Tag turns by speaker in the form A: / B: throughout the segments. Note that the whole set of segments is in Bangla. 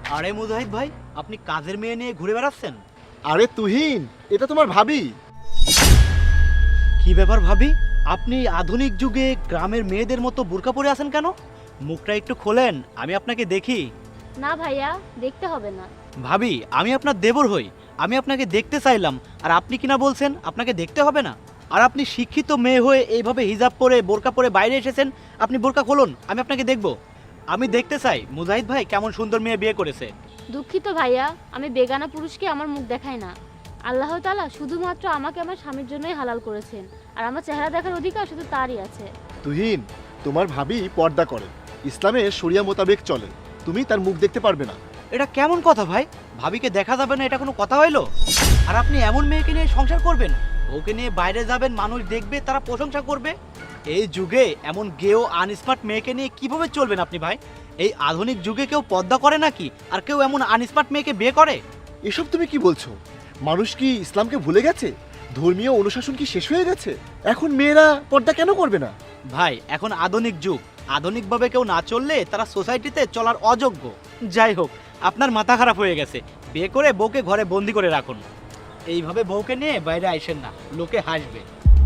A: আরে মুজাহিদ ভাই, আপনি কাজের মেয়ে নিয়ে ঘুরে বেড়াচ্ছেন?
B: আরে তুহিন, এটা তোমার ভাবি।
A: কি ব্যাপার ভাবি, আপনি আধুনিক যুগে গ্রামের মেয়েদের মতো বোরকা পরে আছেন কেন? মুখটা একটু খোলেন, আমি আপনাকে দেখি।
C: না ভাইয়া, দেখতে হবে না।
A: ভাবি, আমি আপনার দেবর হই, আমি আপনাকে দেখতে চাইলাম, আর আপনি কিনা বলছেন আপনাকে দেখতে হবে না? আর আপনি শিক্ষিত মেয়ে হয়ে এইভাবে হিজাব পরে বোরকা পরে বাইরে এসেছেন, আপনি বোরকা খুলুন, আমি আপনাকে দেখব। আমি দেখতে চাই মুজাহিদ ভাই কেমন সুন্দর মেয়ে বিয়ে করেছে।
C: দুঃখিত ভাইয়া, আমি বেগানা পুরুষকে আমার মুখ দেখাই না। আল্লাহ তাআলা শুধুমাত্র আমাকে আমার স্বামীর জন্যই হালাল করেছেন, আর আমার চেহারা দেখার অধিকার শুধু তারই আছে।
B: তুহিন, তোমার ভাবি পর্দা করে, ইসলামে শরিয়া মোতাবেক চলে, তুমি তার মুখ দেখতে পারবে না।
A: এটা কেমন কথা ভাই? ভাবিকে দেখা যাবে না, এটা কোনো কথা হইলো? আর আপনি এমন মেয়েকে নিয়ে সংসার করবেন, ওকে নিয়ে বাইরে যাবেন, মানুষ দেখবে, তারা প্রশংসা করবে। এই যুগে এমন গেও আনস্মার্ট মেয়েকে নিয়ে কিভাবে চলবেন আপনি ভাই? এই আধুনিক যুগে কেউ পর্দা করে নাকি? আর কেউ এমন আনস্মার্ট মেয়েকে বিয়ে করে?
B: এসব তুমি কি বলছো? মানুষ কি ইসলামকে ভুলে গেছে? ধর্মীয় অনুশাসন কি শেষ হয়ে গেছে? এখন মেয়েরা পর্দা কেন করবে না?
A: ভাই, এখন আধুনিক যুগ, আধুনিকভাবে কেউ না চললে তারা সোসাইটিতে চলার অযোগ্য। যাই হোক, আপনার মাথা খারাপ হয়ে গেছে, বিয়ে করে বউকে ঘরে বন্দি করে রাখুন। এইভাবে বউকে নিয়ে বাইরে আইসেন না, লোকে হাসবে।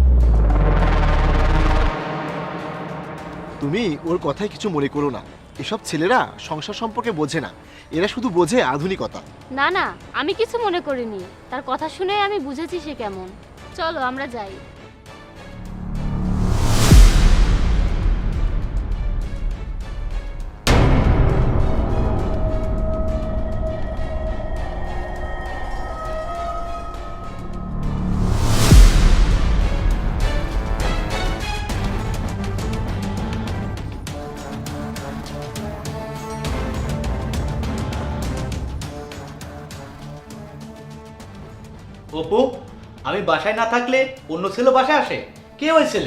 B: তুমি ওর কথায় কিছু মনে করো না। এসব ছেলেরা সংসার সম্পর্কে বোঝে না, এরা শুধু বোঝে আধুনিকতা।
C: না না, আমি কিছু মনে করিনি। তার কথা শুনে আমি বুঝেছি সে কেমন। চলো আমরা যাই।
A: অপু, আমি বাসায় না থাকলে অন্য ছেলে বাসায় আসে? কে ওই ছেলে?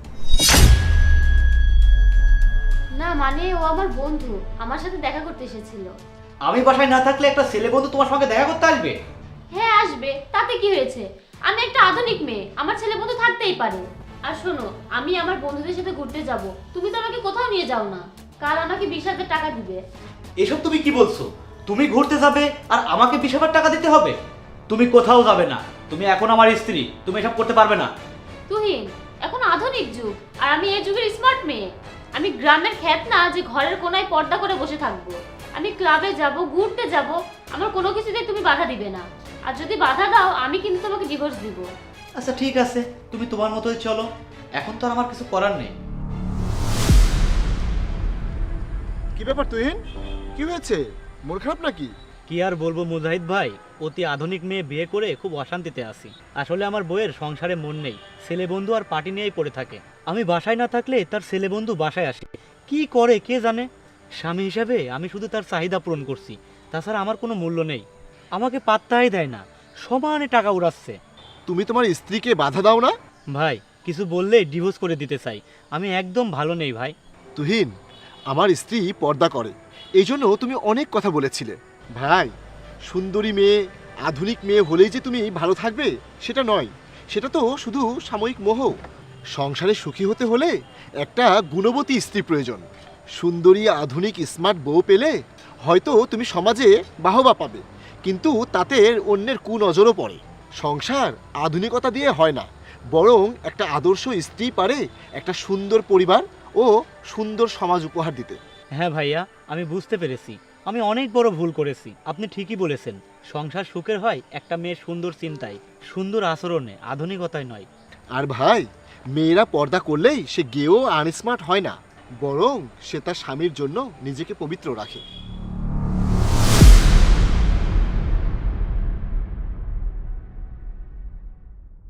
C: না মানে ও আমার বন্ধু, আমার সাথে দেখা করতে এসেছিল।
A: আমি বাসায় না থাকলে একটা ছেলে বন্ধু তোমার সঙ্গে দেখা করতে আসবে?
C: হ্যাঁ আসবে, তাতে কি হয়েছে? আমি একটা আধুনিক মেয়ে, আমার ছেলে বন্ধু থাকতেই পারে। আর শোনো, আমি আমার বন্ধুদের সাথে ঘুরতে যাব, তুমি তো আমাকে কোথাও নিয়ে যাও না। কাল আমাকে 20,000 টাকা দিবে।
A: এসব তুমি কি বলছো? তুমি ঘুরতে যাবে আর আমাকে 20,000 টাকা দিতে হবে? তুমি কোথাও যাবে না, তুমি এখন আমার স্ত্রী, তুমি এসব করতে পারবে না।
C: তুহিন, এখন আধুনিক যুগ, আর আমি এই যুগের স্মার্ট মেয়ে। আমি গ্রামের খ্যাত না যে ঘরের কোনায় পর্দা করে বসে থাকবো। আমি ক্লাবে যাব, ঘুরতে যাব, আমার কোনো কিছুতে তুমি বাধা দিবে না। আর যদি বাধা দাও, আমি কিন্তু তোমাকে ডিভোর্স দিব।
A: আচ্ছা ঠিক আছে, তুমি তোমার মতোই চলো, এখন তো আর আমার কিছু করার নেই।
B: কি ব্যাপার তুহিন, কি হয়েছে? মন খারাপ নাকি?
A: কি আর বলবো মুজাহিদ ভাই, অতি আধুনিক মেয়ে বিয়ে করে খুব অশান্তিতে আছি। আসলে আমার বউয়ের সংসারে মন নেই, ছেলে বন্ধু আর পার্টি নিয়েই পড়ে থাকে। আমি বাসায় না থাকলে তার ছেলে বন্ধু বাসায় আসে, কি করে কে জানে। স্বামী হিসাবে আমি শুধু তার চাহিদা পূরণ করছি, তাছাড়া আমার কোনো মূল্য নেই। আমাকে পাত্তাই দেয় না, সমানে টাকা উড়াচ্ছে।
B: তুমি তোমার স্ত্রীকে বাধা দাও না?
A: ভাই, কিছু বললেই ডিভোর্স করে দিতে চাই, আমি একদম ভালো নেই ভাই।
B: তুহিন, আমার স্ত্রী পর্দা করে, এই জন্য তুমি অনেক কথা বলেছিলে। ভাই, সুন্দরী মেয়ে, আধুনিক মেয়ে হলেই যে তুমি ভালো থাকবে সেটা নয়, সেটা তো শুধু সাময়িক মোহ। সংসারে সুখী হতে হলে একটা গুণবতী স্ত্রী প্রয়োজন। সুন্দরী, আধুনিক, স্মার্ট বউ পেলে হয়তো তুমি সমাজে বাহবা পাবে, কিন্তু তাতে অন্যের কুনজরও পড়ে। সংসার আধুনিকতা দিয়ে হয় না, বরং একটা আদর্শ স্ত্রী পারে একটা সুন্দর পরিবার ও সুন্দর সমাজ উপহার দিতে।
A: হ্যাঁ ভাইয়া, আমি বুঝতে পেরেছি, আমি অনেক বড় ভুল করেছি। আপনি ঠিকই বলেছেন, সংসার সুখের হয় একটা মেয়ের সুন্দর চিন্তায়, সুন্দর আচরণে, আধুনিকতায় নয়।
B: আর ভাই, মেয়েরা পর্দা করলেই সে গেও আনস্মার্ট হয় না, বরং সে তার স্বামীর জন্য নিজেকে পবিত্র রাখে।